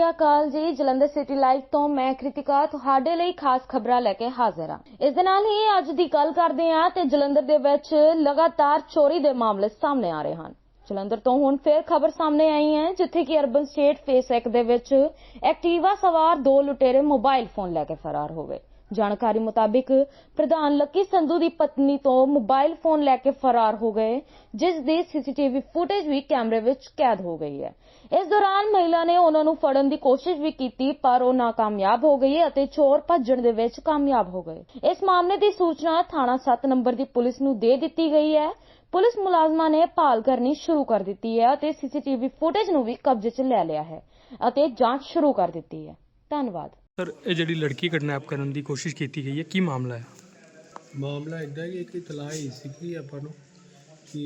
ਸ਼੍ਰੀ ਅਕਾਲ ਜੀ। Jalandhar city live ਤੋਂ ਮੈਂ ਕ੍ਰਿਤਿਕਾ ਤੁਹਾਡੇ ਲਈ ਖਾਸ ਖਬਰਾਂ ਲੈ ਕੇ ਹਾਜ਼ਰ ਹਾਂ। ਇਸ ਦੇ ਨਾਲ ਹੀ ਅੱਜ ਦੀ ਗੱਲ ਕਰਦੇ ਹਾਂ ਤੇ ਜਲੰਧਰ ਦੇ ਵਿੱਚ ਲਗਾਤਾਰ ਚੋਰੀ ਦੇ ਮਾਮਲੇ ਸਾਹਮਣੇ ਆ ਰਹੇ ਹਨ। ਜਲੰਧਰ ਤੋਂ ਹੁਣ ਫੇਰ ਖਬਰ ਸਾਹਮਣੇ ਆਈ ਹੈ ਜਿੱਥੇ ਕਿ ਅਰਬਨ ਸਟੇਟ ਫੇਸ 1 ਦੇ ਵਿੱਚ ਐਕਟਿਵਾ ਸਵਾਰ 2 ਲੁਟੇਰੇ ਮੋਬਾਈਲ ਫੋਨ ਲੈ ਕੇ ਫਰਾਰ ਹੋ ਗਏ। ਜਾਣਕਾਰੀ ਮੁਤਾबिक ਪ੍ਰਧਾਨ ਲੱਕੀ ਸੰਧੂ ਦੀ ਪਤਨੀ ਤੋਂ ਮੋਬਾਈਲ ਫੋਨ ਲੈ ਕੇ ਫਰਾਰ ਹੋ ਗਏ, ਜਿਸ ਦੀ ਸੀਸੀਟੀਵੀ ਫੁਟੇਜ ਵੀ ਕੈਮਰੇ ਵਿੱਚ ਕੈਦ ਹੋ ਗਈ ਹੈ। ਇਸ ਦੌਰਾਨ ਮਹਿਲਾ ਨੇ ਉਹਨਾਂ ਨੂੰ ਫੜਨ ਦੀ ਕੋਸ਼ਿਸ਼ ਵੀ ਕੀਤੀ ਪਰ ਉਹ ਨਾਕਾਮਯਾਬ ਹੋ ਗਈ ਅਤੇ ਚੋਰ ਭੱਜਣ ਦੇ ਵਿੱਚ ਕਾਮਯਾਬ ਹੋ ਗਏ। ਇਸ ਮਾਮਲੇ ਦੀ ਸੂਚਨਾ ਥਾਣਾ 7 ਨੰਬਰ ਦੀ ਪੁਲਿਸ ਨੂੰ ਦੇ ਦਿੱਤੀ ਗਈ ਹੈ। ਪੁਲਿਸ ਮੁਲਾਜ਼ਮਾਂ ਨੇ ਭਾਲ ਕਰਨੀ ਸ਼ੁਰੂ ਕਰ ਦਿੱਤੀ ਹੈ ਅਤੇ ਸੀਸੀਟੀਵੀ ਫੁਟੇਜ ਨੂੰ ਵੀ ਕਬਜ਼ੇ 'ਚ ਲੈ ਲਿਆ ਹੈ ਅਤੇ ਜਾਂਚ ਸ਼ੁਰੂ ਕਰ ਦਿੱਤੀ ਹੈ। ਧੰਨਵਾਦ। सर ये जी लड़की किडनैप करने की कोशिश की गई है, की मामला है? ਮਾਮਲਾ ਇੱਦਾਂ ਕਿ ਇੱਕ ਇਤਲਾਹ ਹੋਈ ਸੀ ਕਿ ਆਪਾਂ ਨੂੰ ਕਿ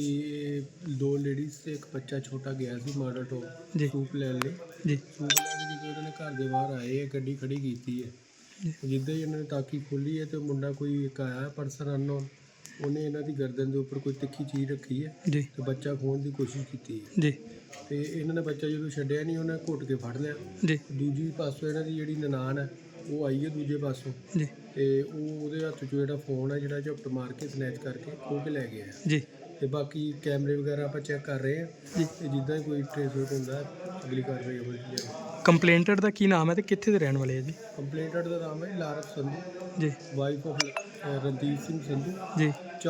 2 ਲੇਡੀਜ਼ ਤੇ ਇੱਕ ਬੱਚਾ ਛੋਟਾ ਗਿਆ ਸੀ ਮਾਡਲ ਤੋਂ ਜੀ ਸੂਪ ਲੈਣ ਲਈ। जी ਸੂਪ ਲੈ ਕੇ ਜਦੋਂ ਉਹਨਾਂ ਨੇ ਘਰ ਦੇ ਬਾਹਰ ਆਏ ਹੈ, ਗੱਡੀ ਖੜੀ ਕੀਤੀ ਹੈ। ਜਿੱਦਾਂ ਹੀ ਇਹਨਾਂ ਨੇ ਤਾਕੀ ਖੋਲੀ ਹੈ ਤੇ ਮੁੰਡਾ ਕੋਈ ਇੱਕ ਆਇਆ ਪਰਸਨ ਅਨਨੋਨ, ਉਹਨੇ ਇਹਨਾਂ ਦੀ ਗਰਦਨ ਦੇ ਉੱਪਰ ਕੋਈ ਤਿੱਖੀ ਚੀਜ਼ ਰੱਖੀ ਹੈ जी ਤੇ ਬੱਚਾ ਖੋਹਣ ਦੀ ਕੋਸ਼ਿਸ਼ ਕੀਤੀ ਹੈ। जी ਤੇ ਇਹਨਾਂ ਨੇ ਬੱਚਾ ਜਦੋਂ ਛੱਡਿਆ ਨਹੀਂ, ਉਹਨੇ ਘੁੱਟ ਕੇ ਫੜ ਲਿਆ। जी ਦੂਜੀ ਪਾਸੋਂ ਇਹਨਾਂ ਦੀ ਜਿਹੜੀ ਨਨਾਣ ਹੈ ਉਹ ਆਈ ਹੈ ਦੂਜੇ ਪਾਸੋਂ, जी ਤੇ ਉਹ ਉਹਦੇ ਹੱਥ 'ਚੋਂ ਜਿਹੜਾ ਫੋਨ ਹੈ ਜਿਹੜਾ ਝਪਟ ਮਾਰ ਕੇ ਸਨੈਚ ਕਰਕੇ ਖੋਹ ਕੇ ਲੈ ਗਿਆ। जी ਤੇ ਬਾਕੀ ਕੈਮਰੇ ਵਗੈਰਾ ਆਪਾਂ ਚੈੱਕ ਕਰ ਰਹੇ ਹਾਂ जी ਤੇ ਜਿੱਦਾਂ ਹੀ ਕੋਈ ਟ੍ਰੇਸ ਆਊਟ ਹੁੰਦਾ ਅਗਲੀ ਕਾਰਵਾਈ ਅਮਲ 'ਚ ਲਿਆਵਾਂਗੇ। ਕੰਪਲੇਂਟਰ ਦਾ ਕੀ ਨਾਮ ਹੈ ਤੇ ਕਿੱਥੇ ਦੇ ਰਹਿਣ ਵਾਲੇ ਹੈ ਜੀ? ਕੰਪਲੇਂਟਰ ਦਾ ਨਾਮ ਹੈ Lark Sandhu, ji wife of Randeep Singh Sandhu, ji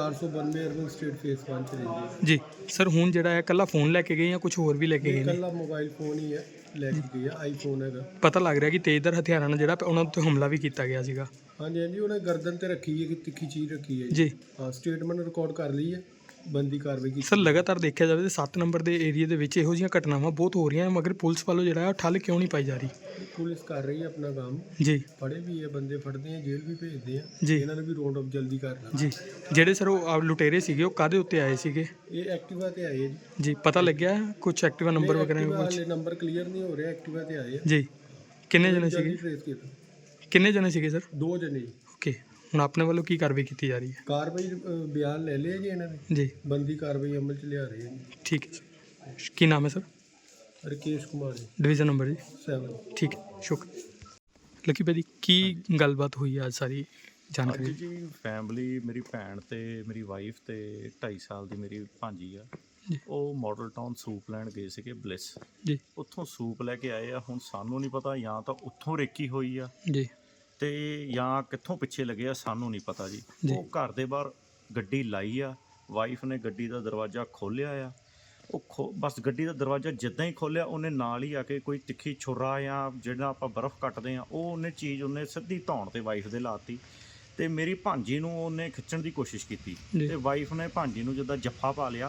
492 urban state face 1 ਚ ਰਹਿੰਦੀ ਹੈ। ਜੀ ਸਰ ਹੁਣ ਜਿਹੜਾ ਹੈ ਕੱਲਾ ਫੋਨ ਲੈ ਕੇ ਗਏ ਜਾਂ ਕੁਝ ਹੋਰ ਵੀ ਲੈ ਕੇ ਗਏ ਨੇ? ਇਕੱਲਾ ਮੋਬਾਈਲ ਫੋਨ ਹੀ ਹੈ ਲੈ ਕੇ ਗਈ ਹੈ, ਆਈਫੋਨ ਹੈਗਾ। ਪਤਾ ਲੱਗ ਰਿਹਾ ਕਿ ਤੇਜ਼ਧਾਰ ਹਥਿਆਰਾਂ ਨਾਲ ਜਿਹੜਾ ਉਹਨਾਂ ਉੱਤੇ ਹਮਲਾ ਵੀ ਕੀਤਾ ਗਿਆ ਸੀਗਾ। ਹਾਂਜੀ ਹਾਂਜੀ, ਉਹਨੇ ਗਰਦਨ ਤੇ ਰੱਖੀ ਹੈ ਕਿ ਤਿੱਖੀ ਚੀਜ਼ ਰੱਖੀ ਹੈ ਜੀ ਹਾਂ, ਸਟੇਟਮੈਂਟ ਰਿਕਾਰਡ ਕਰ ਲਈ ਹੈ, ਬੰਦੀ ਕਾਰਵਾਈ ਕੀਤੀ। ਸਰ ਲਗਾਤਾਰ ਦੇਖਿਆ ਜਾਵੇ ਤੇ 7 ਨੰਬਰ ਦੇ ਏਰੀਆ ਦੇ ਵਿੱਚ ਇਹੋ ਜਿਹੀਆਂ ਘਟਨਾਵਾਂ ਬਹੁਤ ਹੋ ਰਹੀਆਂ, ਮਗਰ ਪੁਲਿਸ ਵੱਲੋਂ ਜਿਹੜਾ ਹੈ ਠੱਲ ਕਿਉਂ ਨਹੀਂ ਪਾਈ ਜਾ ਰਹੀ? ਪੁਲਿਸ ਕਰ ਰਹੀ ਹੈ ਆਪਣਾ ਕੰਮ, ਜੀ ਫੜੇ ਵੀ ਹੈ ਬੰਦੇ, ਫੜਦੇ ਆ ਜੇਲ੍ਹ ਵੀ ਭੇਜਦੇ ਆ। ਜੀ ਇਹਨਾਂ ਨੂੰ ਵੀ ਰੌਂਡ ਅਪ ਜਲਦੀ ਕਰਨਾ। ਜੀ ਜਿਹੜੇ ਸਰ ਉਹ ਲੁਟੇਰੇ ਸੀਗੇ ਉਹ ਕਾਹਦੇ ਉੱਤੇ ਆਏ ਸੀਗੇ? ਇਹ ਐਕਟਿਵਾ ਤੇ ਆਏ ਆ ਜੀ। ਜੀ ਪਤਾ ਲੱਗਿਆ ਕੁਝ ਐਕਟਿਵਾ ਨੰਬਰ ਵਗੈਰਾ ਐਕਟਿਵਾ ਕੁਝ? ਹਾਲੇ ਨੰਬਰ ਕਲੀਅਰ ਨਹੀਂ ਹੋ ਰਿਹਾ, ਐਕਟਿਵਾ ਤੇ ਆਏ ਆ। ਜੀ ਕਿੰਨੇ ਜਣੇ ਜਲਦੀ ਸੀਗੇ? ਟ੍ਰੇਸ ਕੀਤਾ। ਕਿੰਨੇ ਜਣੇ ਸੀਗੇ ਸਰ? 2 ਜਣੇ ਜੀ। ਓਕੇ ਹੁਣ ਆਪਣੇ ਵੱਲੋਂ ਕੀ ਕਾਰਵਾਈ ਕੀਤੀ ਜਾ ਰਹੀ ਹੈ? ਕਾਰਵਾਈ ਬਿਆਨ ਲੈ ਲਿਆ ਜੀ ਇਹਨਾਂ ਨੇ, ਜੀ ਬੰਦੀ ਕਾਰਵਾਈ ਅਮਲ ਚ ਲਿਆ ਰਹੇ ਆ ਜੀ। ਠੀਕ ਹੈ ਸਰ। ਕੀ ਨਾਮ ਹੈ ਸਰ? ਰਕੇਸ਼ ਕੁਮਾਰ ਜੀ, ਡਿਵੀਜ਼ਨ ਨੰਬਰ ਜੀ 7। ਠੀਕ ਹੈ, ਸ਼ੁਕਰ। ਲੱਕੀ ਭਾਜੀ ਕੀ ਗੱਲਬਾਤ ਹੋਈ ਹੈ ਅੱਜ ਸਾਰੀ ਅੱਜ ਜਾਣਕਾਰੀ? ਜੀ ਫੈਮਿਲੀ ਮੇਰੀ ਭੈਣ ਤੇ ਮੇਰੀ ਵਾਈਫ ਤੇ 2.5 ਸਾਲ ਦੀ ਮੇਰੀ ਭਾਂਜੀ ਆ, ਜੀ ਉਹ ਮਾਡਲ ਟਾਊਨ ਸੂਪ ਲੈਣ ਗਏ ਸੀਗੇ ਬਲਿਸ। ਜੀ ਉੱਥੋਂ ਸੂਪ ਲੈ ਕੇ ਆਏ ਆ। ਹੁਣ ਸਾਨੂੰ ਨਹੀਂ ਪਤਾ ਜਾਂ ਤਾਂ ਉੱਥੋਂ ਰੇਕੀ ਹੋਈ ਆ ਜੀ ਤੇ ਜਾਂ ਕਿੱਥੋਂ ਪਿੱਛੇ ਲੱਗੇ ਆ, ਸਾਨੂੰ ਨਹੀਂ ਪਤਾ ਜੀ। ਜੀ। ਉਹ ਘਰ ਦੇ ਬਾਹਰ ਗੱਡੀ ਲਾਈ ਆ, ਵਾਈਫ ਨੇ ਗੱਡੀ ਦਾ ਦਰਵਾਜ਼ਾ ਖੋਲ੍ਹਿਆ ਆ। ਉਹ ਬਸ ਗੱਡੀ ਦਾ ਦਰਵਾਜ਼ਾ ਜਿੱਦਾਂ ਹੀ ਖੋਲ੍ਹਿਆ, ਉਹਨੇ ਨਾਲ ਹੀ ਆ ਕੇ ਕੋਈ ਤਿੱਖੀ ਛੁਰਾ ਜਾਂ ਜਿਹੜਾ ਆਪਾਂ ਬਰਫ਼ ਕੱਟਦੇ ਆ ਉਹ ਉਹਨੇ ਚੀਜ਼ ਉਹਨੇ ਸਿੱਧੀ ਧੌਣ ਤੇ ਵਾਈਫ ਦੇ ਲਾਤੀ ਤੇ ਮੇਰੀ ਭਾਂਜੀ ਨੂੰ ਉਹਨੇ ਖਿੱਚਣ ਦੀ ਕੋਸ਼ਿਸ਼ ਕੀਤੀ ਜੀ। ਤੇ ਵਾਈਫ ਨੇ ਭਾਂਜੀ ਨੂੰ ਜਿੱਦਾਂ ਜੱਫਾ ਪਾ ਲਿਆ,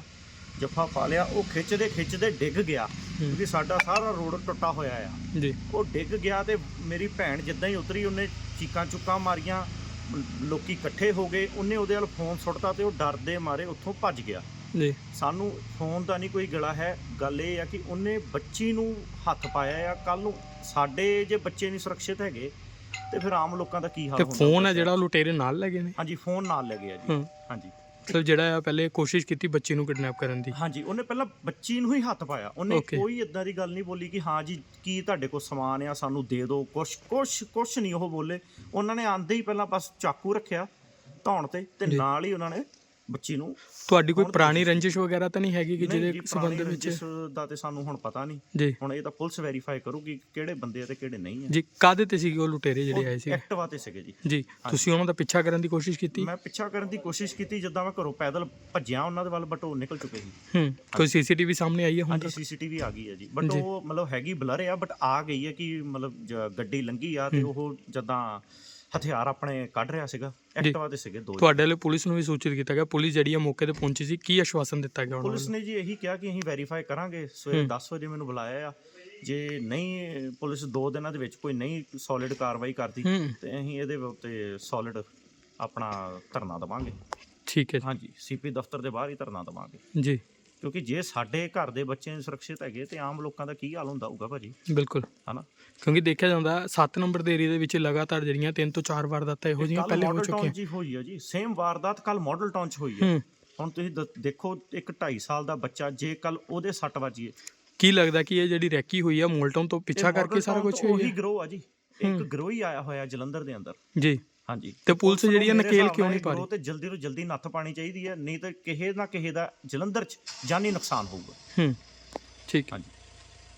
ਉਹ ਖਿੱਚਦੇ ਡਿੱਗ ਗਿਆ ਕਿਉਂਕਿ ਸਾਡਾ ਸਾਰਾ ਰੋਡ ਟੁੱਟਾ ਹੋਇਆ ਆ। ਜੀ ਉਹ ਡਿੱਗ ਗਿਆ ਤੇ ਮੇਰੀ ਭੈਣ ਜਿੱਦਾਂ ਹੀ ਉਤਰੀ ਉਹਨੇ ਚੀਕਾਂ ਚੁੱਕਾਂ ਮਾਰੀਆਂ, ਲੋਕੀ ਇਕੱਠੇ ਹੋ ਗਏ, ਉਹਨੇ ਉਹਦੇ ਵੱਲ ਫੋਨ ਸੁੱਟਤਾ ਤੇ ਉਹ ਡਰਦੇ ਮਾਰੇ ਉੱਥੋਂ ਭੱਜ ਗਿਆ। ਜੀ ਸਾਨੂੰ ਫੋਨ ਦਾ ਨਹੀਂ ਕੋਈ ਗਲਾ ਹੈ, ਗੱਲ ਇਹ ਆ ਕਿ ਉਹਨੇ ਬੱਚੀ ਨੂੰ ਹੱਥ ਪਾਇਆ ਆ। ਕੱਲ ਨੂੰ ਸਾਡੇ ਜੇ ਬੱਚੇ ਨਹੀਂ ਸੁਰੱਖਿਅਤ ਹੈਗੇ ਤੇ ਫਿਰ ਆਮ ਲੋਕਾਂ ਦਾ ਕੀ ਹਾਲ ਤੇ ਹੁੰਦਾ? ਫੋਨ ਹੈ ਜਿਹੜਾ ਉਹ ਲੁਟੇਰੇ ਨਾਲ ਲੈ ਗਏ ਨੇ? ਹਾਂਜੀ ਫੋਨ ਨਾਲ ਲੈ ਗਿਆ ਜੀ। ਹਾਂ। ਹਾਂਜੀ ਸਰ ਜਿਹੜਾ ਆ ਪਹਿਲੇ ਕੋਸ਼ਿਸ਼ ਕੀਤੀ ਬੱਚੀ ਨੂੰ ਕਿਡਨੈਪ ਕਰਨ ਦੀ? ਹਾਂਜੀ, ਉਹਨੇ ਪਹਿਲਾਂ ਬੱਚੀ ਨੂੰ ਹੀ ਹੱਥ ਪਾਇਆ। ਉਹਨੇ Okay. ਕੋਈ ਇਦਾਂ ਦੀ ਗੱਲ ਨਹੀਂ ਬੋਲੀ ਕਿ ਹਾਂ ਜੀ ਕੀ ਤੁਹਾਡੇ ਕੋਲ ਸਮਾਨ ਆ ਸਾਨੂੰ ਦੇ ਦਿਓ, ਕੁਛ ਨਹੀਂ ਉਹ ਬੋਲੇ। ਉਹਨਾਂ ਨੇ ਆਂਦੇ ਹੀ ਪਹਿਲਾਂ ਬਸ ਚਾਕੂ ਰੱਖਿਆ ਧੌਣ ਤੇ ਨਾਲ ਹੀ ਉਹਨਾਂ ਨੇ ਬੱਚੀ ਨੂੰ। ਤੁਹਾਡੀ ਕੋਈ ਪੁਰਾਣੀ ਰੰਜਿਸ਼ ਵਗੈਰਾ ਤਾਂ ਨਹੀਂ ਹੈਗੀ ਕਿ ਨਹੀਂ ਜੀ, ਜਿਹਦੇ ਸੰਬੰਧ ਪੁਰਾਣੀ ਵਿੱਚ? ਰੰਜਿਸ਼ ਦਾ ਤੇ ਸਾਨੂੰ ਹੁਣ ਪਤਾ ਨਹੀਂ। ਜੀ ਹੁਣ ਇਹ ਤਾਂ ਪੁਲਿਸ ਵੈਰੀਫਾਈ ਕਰੂਗੀ ਕਿਹੜੇ ਬੰਦੇ ਆ ਤੇ ਕਿਹੜੇ ਨਹੀਂ ਆ। ਜੀ ਕਾਹਦੇ ਤੇ ਸੀਗੇ ਉਹ ਲੁਟੇਰੇ ਜਿਹੜੇ ਆਏ ਸੀ? ਐਕਟਿਵਾ ਤੇ ਸੀਗੇ ਜੀ। ਜੀ ਤੁਸੀਂ ਉਹਨਾਂ ਦਾ ਪਿੱਛਾ ਕਰਨ ਦੀ ਕੋਸ਼ਿਸ਼ ਕੀਤੀ? ਮੈਂ ਪਿੱਛਾ ਕਰਨ ਦੀ ਕੋਸ਼ਿਸ਼ ਕੀਤੀ, ਜਿੱਦਾਂ ਮੈਂ ਘਰੋਂ ਪੈਦਲ ਭੱਜਿਆ ਉਹਨਾਂ ਦੇ ਵੱਲ, ਬਟ ਉਹ ਨਿਕਲ ਚੁੱਕੇ ਸੀ। ਕੋਈ ਸੀਸੀਟੀਵੀ ਸਾਹਮਣੇ ਆਈ ਹੈ ਹੁਣ ਹਾਂਜੀ ਤੱਕ? ਸੀਸੀਟੀਵੀ ਆ ਗਈ ਹੈ ਜੀ, ਬਟ ਉਹ ਮਤਲਬ ਹੈਗੀ ਬਲਰ ਆ, ਬਟ ਆ ਗਈ ਹੈ ਕਿ ਮਤਲਬ ਗੱਡੀ ਲੰਘੀ ਆ ਤੇ ਉਹ ਜਦਾਂ ਹਥਿਆਰ ਆਪਣੇ ਕੱਢ ਰਿਹਾ ਸੀਗਾ। ਐਕਟਿਵਾ ਤੇ ਸੀਗੇ 2। ਤੁਹਾਡੇ ਵੱਲੋਂ ਪੁਲਿਸ ਨੂੰ ਵੀ ਸੂਚਿਤ ਕੀਤਾ ਗਿਆ? ਪੁਲਿਸ ਜਿਹੜੀ ਆ ਮੌਕੇ ਤੇ ਪਹੁੰਚੀ ਸੀ, ਕੀ ਆਸ਼ਵਾਸਨ ਦਿੱਤਾ ਗਿਆ ਉਹਨਾਂ ਪੁਲਿਸ ਨੇ ਜੀ ਇਹੀ ਕਿਹਾ ਕਿ ਅਸੀਂ ਵੈਰੀਫਾਈ ਕਰਾਂਗੇ। ਸਵੇਰੇ 10 ਵਜੇ ਮੈਨੂੰ ਬੁਲਾਇਆ ਆ, ਜੇ ਨਹੀਂ ਪੁਲਿਸ 2 ਦਿਨਾਂ ਦੇ ਵਿੱਚ ਕੋਈ ਨਹੀਂ ਸੋਲਿਡ ਕਾਰਵਾਈ ਕਰਦੀ ਤੇ ਅਸੀਂ ਇਹਦੇ ਉੱਤੇ ਸੋਲਿਡ ਆਪਣਾ ਧਰਨਾ ਦੇਵਾਂਗੇ। ਠੀਕ ਹੈ ਹਾਂਜੀ, ਸੀਪੀ ਦਫ਼ਤਰ ਦੇ ਬਾਹਰ ਹੀ ਧਰਨਾ ਦੇਵਾਂਗੇ ਜੀ। ਕਿਉਂਕਿ ਜੇ ਸਾਡੇ ਘਰ ਦੇ ਬੱਚੇ ਸੁਰੱਖਿਅਤ ਹੈਗੇ ਤੇ ਆਮ ਲੋਕਾਂ ਦਾ ਕੀ ਹਾਲ ਹੁੰਦਾ ਹੋਊਗਾ ਭਾਜੀ? ਬਿਲਕੁਲ, ਹਨਾ? ਕਿਉਂਕਿ ਦੇਖਿਆ ਜਾਂਦਾ 7 ਨੰਬਰ ਦੇ ਏਰੀਆ ਦੇ ਵਿੱਚ ਲਗਾਤਾਰ ਜਿਹੜੀਆਂ 3 ਤੋਂ 4 ਵਾਰਦਾਤਾਂ ਇਹੋ ਜਿਹੀਆਂ ਪਹਿਲੇ ਹੋ ਚੁੱਕੀਆਂ ਜੀ ਹੋਈ ਆ ਜੀ। ਸੇਮ ਵਾਰਦਾਤ ਕੱਲ ਮਾਡਲ ਟਾਊਨ 'ਚ ਹੋਈ ਆ। ਹੁਣ ਤੁਸੀਂ ਦੇਖੋ, ਇੱਕ 2.5 ਸਾਲ ਦਾ ਬੱਚਾ, ਜੇ ਕੱਲ ਉਹਦੇ ਸੱਟ ਵੱਜੀ ਕੀ ਲੱਗਦਾ ਕਿ ਇਹ ਜਿਹੜੀ ਰੈਕੀ ਹੋਈ ਆ ਮੋਲਟਨ ਤੋਂ ਪਿੱਛਾ ਕਰਕੇ ਸਾਰਾ ਕੁਝ ਹੋਇਆ ਉਹੀ ਗਰੋਹ ਆ ਜੀ, ਇੱਕ ਗਰੋਹ ਹੀ ਆਇਆ ਹੋਇਆ ਜਲੰਧਰ ਦੇ ਅੰਦਰ ਜੀ। ਹਾਂਜੀ, ਤੇ ਪੁਲਿਸ ਜਿਹੜੀ ਆ ਮੇਰੇ ਨਕੇਲ ਹਿਸਾਬ ਕਿਉਂ ਨਾਲ ਨਹੀਂ ਇਹ ਪਾ ਗਰੋਹ ਤੇ ਜਲਦੀ ਤੋਂ ਜਲਦੀ ਨੱਥ ਪਾਣੀ ਚਾਹੀਦੀ ਹੈ, ਨਹੀਂ ਤਾਂ ਕਿਸੇ ਨਾ ਕਿਸੇ ਦਾ ਜਲੰਧਰ 'ਚ ਜਾਨੀ ਨੁਕਸਾਨ ਹੋਊਗਾ। ਠੀਕ। ਹਾਂਜੀ।